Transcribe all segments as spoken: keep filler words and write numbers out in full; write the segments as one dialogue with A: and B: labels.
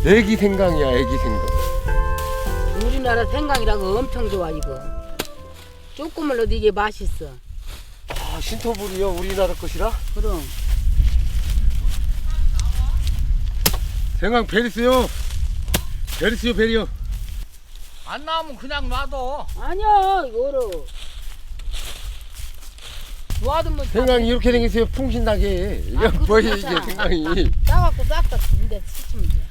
A: 애기 생강이야, 애기 생강.
B: 우리나라 생강이라고 엄청 좋아 이거. 조금만 넣어도 이게 맛있어.
A: 아, 신토불이요, 우리나라 것이라?
B: 그럼.
A: 생강 베리스요. 베리스요, 베리요.
C: 안 나오면 그냥 놔둬.
B: 아니야 이거로. 놔두면
A: 생강이 이렇게 생겼어요, 풍신나게. 이게
B: 아, 그거
A: 뭐야, 이게
B: 좋다.
A: 생강이.
B: 따갖고 싹다 근데 씻으면 돼.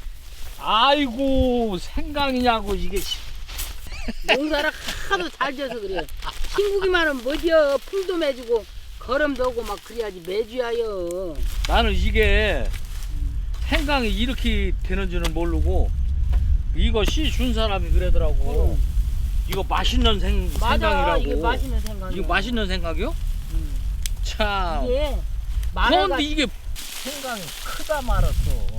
C: 아이고 생강이냐고 이게.
B: 농사를 하도 잘 져서 그래. 친구기만 하면 뭐지요. 풀도 매주고 거름도 오고 막 그래야지 매주야요.
C: 나는 이게 생강이 이렇게 되는 줄은 모르고 이거 씨 준 사람이 그러더라고.
B: 응.
C: 이거 맛있는 생,
B: 맞아
C: 생강이라고.
B: 이게 맛있는 생강이야.
C: 이거 맛있는 생강이요?
B: 응.
C: 참.
B: 이게 마늘가
C: 그런데 이게 생강이 크다 말았어.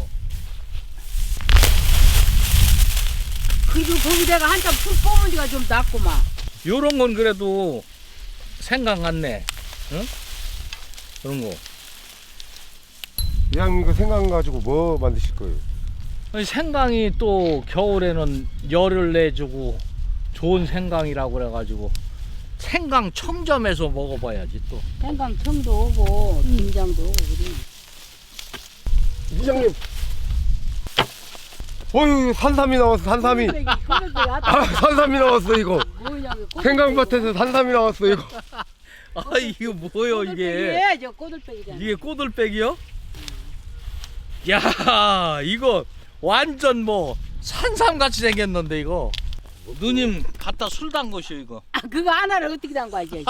B: 그리고 거기다가 한참 풀 뽑은 지가 좀 낫구만.
C: 요런 건 그래도 생강 같네. 응? 그런 거.
A: 이왕 이거 생강 가지고 뭐 만드실 거예요?
C: 아니, 생강이 또 겨울에는 열을 내주고 좋은 생강이라고 그래가지고 생강 청점에서 먹어봐야지 또.
B: 생강 청도 오고 김장도 오고 그래.
A: 이장님. 어휴, 산삼이 나왔어, 산삼이. 아, 산삼이 나왔어, 이거. 생강밭에서 산삼이 나왔어, 이거.
C: 아 이거 뭐요 이게?
B: 저 꼬들빼기잖아.
C: 이게 꼬들빼기요? 야 이거 완전 뭐 산삼 같이 생겼는데 이거. 누님 갖다 술 담그시오 이거.
B: 아 그거 하나를 어떻게 담가야지.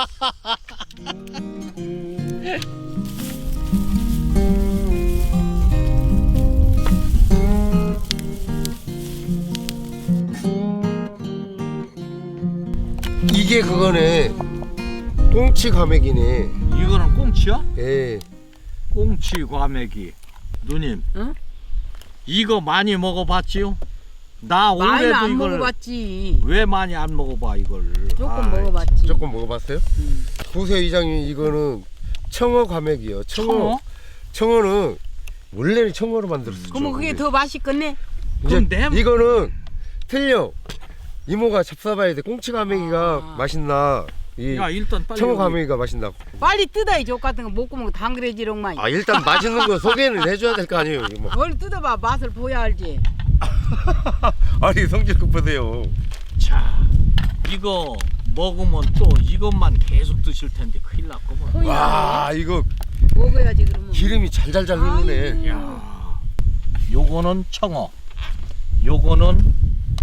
A: 이게 그거네. 꽁치 과메기네.
C: 이거는 꽁치야?
A: 예.
C: 꽁치 과메기. 누님.
B: 응?
C: 이거 많이 먹어봤지요? 나
B: 많이
C: 올해도
B: 안
C: 이걸
B: 먹어봤지.
C: 왜 많이 안 먹어봐 이걸?
B: 조금
C: 아이,
B: 먹어봤지.
A: 조금 먹어봤어요?
B: 응.
A: 보세요, 이장님. 이거는 청어 과메기요. 청어.
C: 청어?
A: 청어는 원래는 청어로 만들었었죠.
B: 그러면 그게
A: 근데
B: 더 맛있겠네.
A: 이제
C: 그럼 내-
A: 이거는 틀려. 이모가 잡숴봐야 돼. 꽁치 과메기가
B: 아.
A: 맛있나? 이
C: 야 일단 빨리
A: 청어
C: 여기-
A: 과메기가 맛있나?
B: 빨리 뜯어 이족 같은 거 먹고 먹고 당그레지롱만.
A: 아, 일단 맛있는 거 소개는 해줘야 될 거 아니에요, 이모.
B: 뭘 뜯어봐 맛을 보야 알지.
A: 아니, 성질급 보세요.
C: 자 이거 먹으면 또 이것만 계속 드실 텐데 큰일 났구먼.
A: 와, 이거
B: 먹어야지 그러면.
A: 기름이 잘잘잘 흐르네.
B: 아이고.
C: 야 요거는 청어, 요거는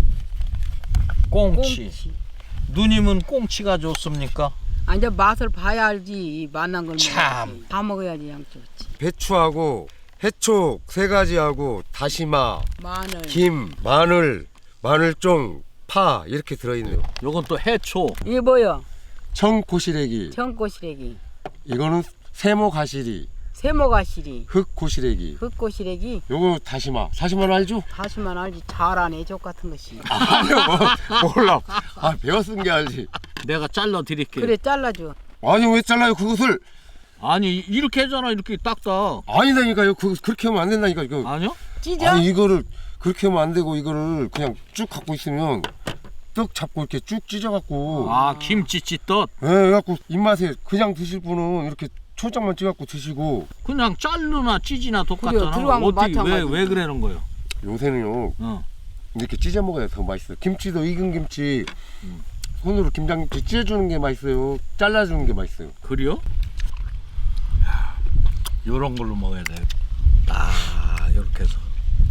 C: 꽁치.
B: 꽁치.
C: 누님은 꽁치가 좋습니까?
B: 아 이제 맛을 봐야 알지. 맛난 걸
C: 참.
B: 먹어야지. 다 먹어야지 양쪽.
A: 배추하고 해촉 세 가지하고 다시마,
B: 마늘.
A: 김, 마늘, 마늘종, 파 이렇게 들어있네요.
C: 요건 또 해초.
B: 이게 뭐야?
A: 청고시래기,
B: 청고시래기,
A: 이거는 세모가시리,
B: 세모가시리,
A: 흑고시래기,
B: 흑고시래기.
A: 요거 다시마. 다시마는 알죠?
B: 다시만 알지. 잘하네 족 같은 것이.
A: 아니요, 뭐, 몰라. 아, 배웠은 게 알지.
C: 내가 잘라 드릴게.
B: 그래 잘라줘.
A: 아니, 왜 잘라요 그것을?
C: 아니 이렇게 하잖아 이렇게 딱딱.
A: 아니다니까요. 그 그렇게 하면 안 된다니까 이거.
C: 아니요?
B: 찢어?
A: 아니, 이거를 그렇게 하면 안 되고 이거를 그냥 쭉 갖고 있으면 떡 잡고 이렇게 쭉 찢어갖고.
C: 아 김치 찢듯.
A: 예, 그래갖고 입맛에 그냥 드실 분은 이렇게 초장만 찍어갖고 드시고.
C: 그냥 자르나 찌지나
B: 그래요,
C: 똑같잖아.
B: 들어간 거
C: 어떻게 왜
B: 마찬가지죠.
C: 왜 그러는 거예요?
A: 요새는요
C: 어.
A: 이렇게 찢어 먹어야 더 맛있어요. 김치도 익은 김치
C: 음.
A: 손으로 김장김치 찢어주는 게 맛있어요. 잘라주는 게 맛있어요.
C: 그래요? 야, 요런 걸로 먹어야 돼. 딱 이렇게 해서.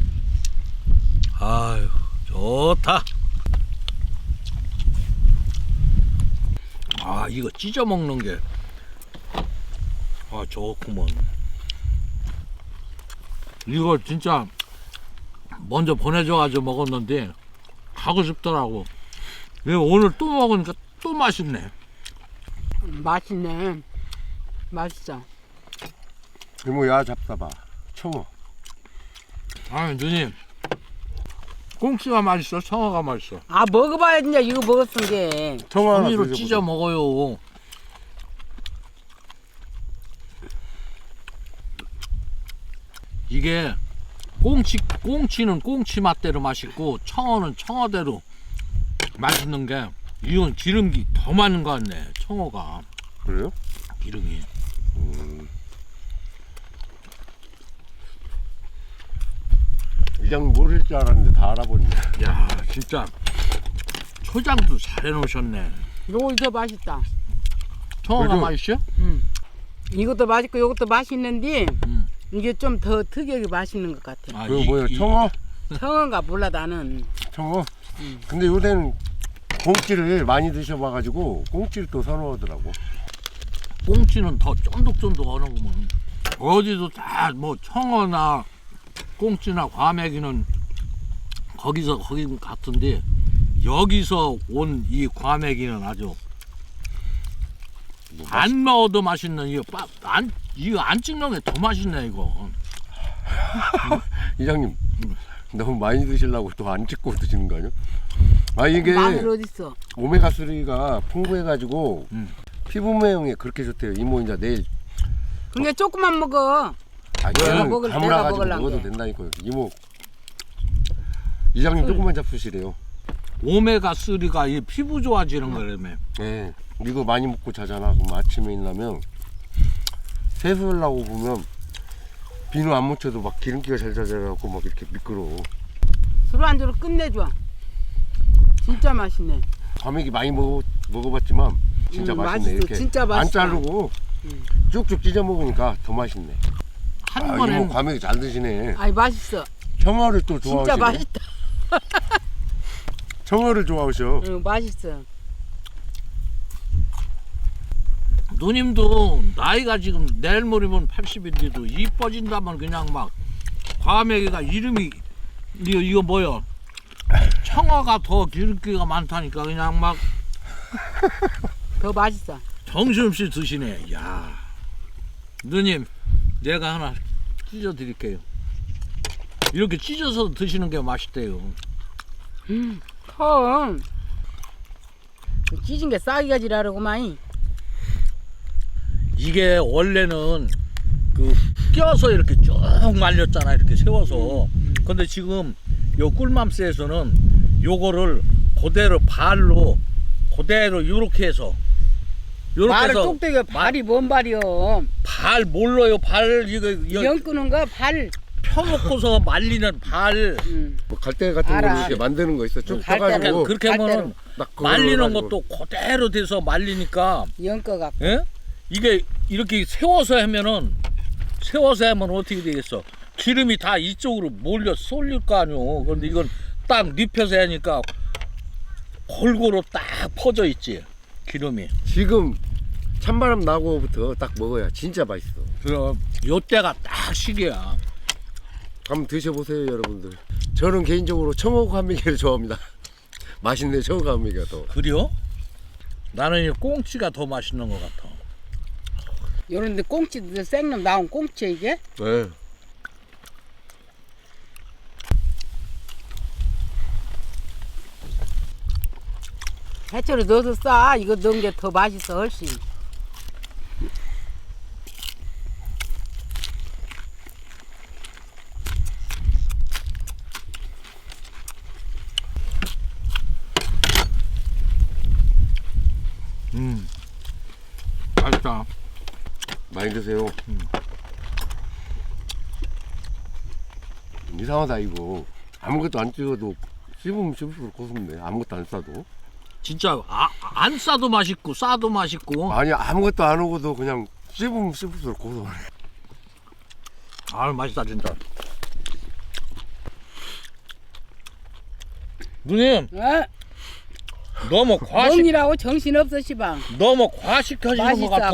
C: 아유 좋다. 아 이거 찢어 먹는 게 아 좋구먼. 이거 진짜 먼저 보내줘가지고 먹었는데 가고 싶더라고. 이거 오늘 또 먹으니까 또 맛있네.
B: 맛있네. 맛있어.
A: 이모 야 잡숴봐. 청어.
C: 아 누님 꽁치가 맛있어? 청어가 맛있어?
B: 아 먹어봐야 진짜 이거 먹었은 게.
A: 청어 하나
C: 종이로
A: 드셔보세요.
C: 찢어 먹어요. 이게 꽁치 꽁치는 꽁치 맛대로 맛있고 청어는 청어대로 맛있는 게 이건 기름기 더 많은 것 같네. 청어가
A: 그래요?
C: 기름이.
A: 음. 이장 모를 줄 알았는데 다 알아버리네.
C: 야 진짜 초장도 잘 해놓으셨네.
B: 요거 더 맛있다.
C: 청어가
A: 그래도-
C: 맛있어?
B: 음. 이것도 맛있고 이것도 맛있는데
C: 음.
B: 이게 좀 더 특이하게 맛있는 것 같아.
C: 아,
A: 그거
C: 이-
A: 뭐예요?
C: 이-
A: 청어?
B: 청어가 몰라 나는.
A: 청어?
B: 음.
A: 근데 요새는 꽁치를 많이 드셔봐가지고 꽁치를 또 선호하더라고.
C: 꽁치는 더 쫀득쫀득하는 거면 어디도 다 뭐 청어나 꽁치나 과메기는 거기서 거기 같은데 여기서 온 이 과메기는 아주
A: 뭐
C: 안 넣어도 맛있는 이거 빠, 안 이거 안 찍는 게 더 맛있네 이거.
A: 이장님 너무 많이 드시려고 또 안 찍고 드시는 거 아니야? 아 이게
B: 마늘 어딨어?
A: 오메가삼가 풍부해가지고
C: 음.
A: 피부 모양에 그렇게 좋대요. 이모 이제 내일
B: 근데 조금만 먹어.
A: 아
B: 내가
A: 저는
B: 먹을- 내가
A: 가물어가지고
B: 먹으려고
A: 먹어도
B: 해.
A: 된다니까요. 이모 이장님 조금만 잡수시래요.
C: 오메가 삼가 이 피부 좋아지는 거라며.
A: 네, 이거 많이 먹고 자잖아. 그럼 아침에 일어나면 세수하려고 보면 비누 안 묻혀도 막 기름기가 잘 자자라고 막 이렇게 미끄러워.
B: 술안주로 끝내줘. 진짜 맛있네.
A: 과메기 많이 먹어, 먹어봤지만 진짜
B: 음,
A: 맛있네.
B: 맛있어.
A: 이렇게
B: 진짜
A: 안
B: 맛있다.
A: 자르고
B: 음.
A: 쭉쭉 찢어 먹으니까 더 맛있네.
C: 한
A: 아,
C: 번에
A: 이모 과메기 잘 드시네.
B: 아이 맛있어.
A: 청어를 또 좋아하시네.
B: 진짜 맛있다.
A: 청어를 좋아하셔.
B: 응, 맛있어.
C: 누님도 나이가 지금 내일 모레면 팔십인데도 이뻐진다면 그냥 막 과메기가 이름이 이거 이거 뭐야? 청어가 더 기름기가 많다니까 그냥 막
B: 더 맛있어.
C: 정신없이 드시네. 야, 누님 내가 하나 찢어 드릴게요. 이렇게 찢어서 드시는 게 맛있대요.
B: 음, 커. 찢은 게 싸기가 지라르구만.
C: 이게 원래는 그 껴서 이렇게 쭉 말렸잖아 이렇게 세워서. 근데 지금 요 꿀맘스에서는 요거를 그대로 발로 그대로 요렇게 해서 요렇게
B: 말을
C: 해서
B: 똑대기 발이 뭔 발이요?
C: 발 몰라요. 발 이거 여-
B: 연 끄는 거 발.
C: 펴놓고서 말리는 발.
B: 음.
A: 뭐 갈대 같은
B: 알아.
A: 거 이렇게 만드는 거 있어. 쭉
B: 갈대로.
A: 펴가지고
C: 그렇게 하면은
A: 딱 그걸로
C: 말리는
A: 해가지고.
C: 것도 그대로 돼서 말리니까
B: 연꺼가.
C: 예? 이게 이렇게 세워서 하면은 세워서 하면 어떻게 되겠어? 기름이 다 이쪽으로 몰려 쏠릴 거 아니오. 그런데 이건 딱 눕혀서 하니까 골고루 딱 퍼져 있지 기름이.
A: 지금 찬바람 나고부터 딱 먹어야 진짜 맛있어.
C: 그럼 요때가 딱 시기야.
A: 한번 드셔보세요 여러분들. 저는 개인적으로 청어 과메기를 좋아합니다. 맛있네 청어 과메기가 더.
C: 그래요? 나는 이 꽁치가 더 맛있는 것 같아.
B: 요런데 꽁치 생놈 나온 꽁치 이게?
A: 네.
B: 해초를 넣어서 싸. 이거 넣은 게 더 맛있어 훨씬.
C: 음, 맛있다.
A: 많이 드세요.
C: 음.
A: 이상하다 이거. 아무것도 안 찍어도 씹으면 씹을수록 고소한데 아무것도 안 싸도.
C: 진짜 아, 안 싸도 맛있고 싸도 맛있고.
A: 아니 아무것도 안 오고도 그냥 씹으면 씹을수록 고소하네.
C: 아 맛있다 진짜. 누님
B: 어?
C: 너무 과식
B: 먹니라고 정신 없어 시방.
C: 너무 과식하시는 것
B: 맛있어,
C: 같아.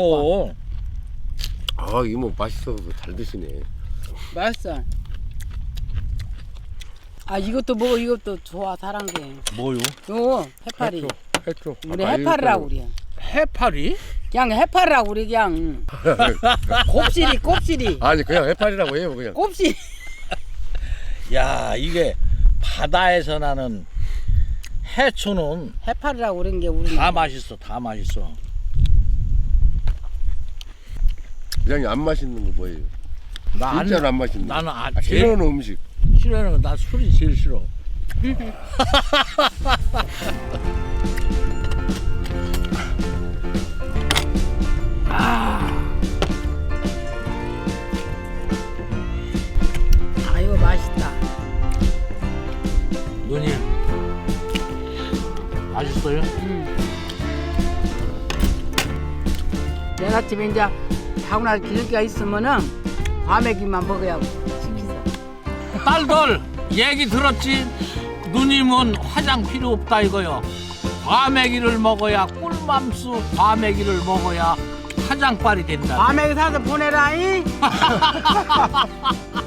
A: 아 이모 맛있어서 잘 드시네.
B: 맛있어. 아 이것도 먹어. 이것도 좋아 잘한 게.
C: 뭐요?
B: 요 해파리.
A: 해초, 해초.
B: 우리
A: 아까
B: 해파리라고
A: 이거
B: 그래.
C: 해파리?
B: 그냥 해파리라고 그래 그냥. 곱실이 곱실이.
A: 아니 그냥 해파리라고 해요 그냥.
B: 곱실.
C: 야 이게 바다에서 나는 해초는
B: 해파리라고 그런 게 우리.
C: 다 맛있어, 다 맛있어.
A: 그냥 안 맛있는 거 뭐예요?
C: 나 안,
A: 진짜로 안 맛있는 거.
C: 나는 아,
A: 아,
C: 제일
A: 싫어하는 음식.
C: 싫어하는 건 나 술이 제일 싫어.
B: 아 이거 맛있다.
C: 누님 맛있어요?
B: 음. 내일 아침에 이제 타고나서 기름기가 있으면은 과메기만 먹어야 시키자.
C: 딸들 얘기 들었지? 누님은 화장 필요 없다 이거요. 과메기를 먹어야 꿀맘수 과메기를 먹어야 화장빨이 된다.
B: 과메기 사서 보내라잉.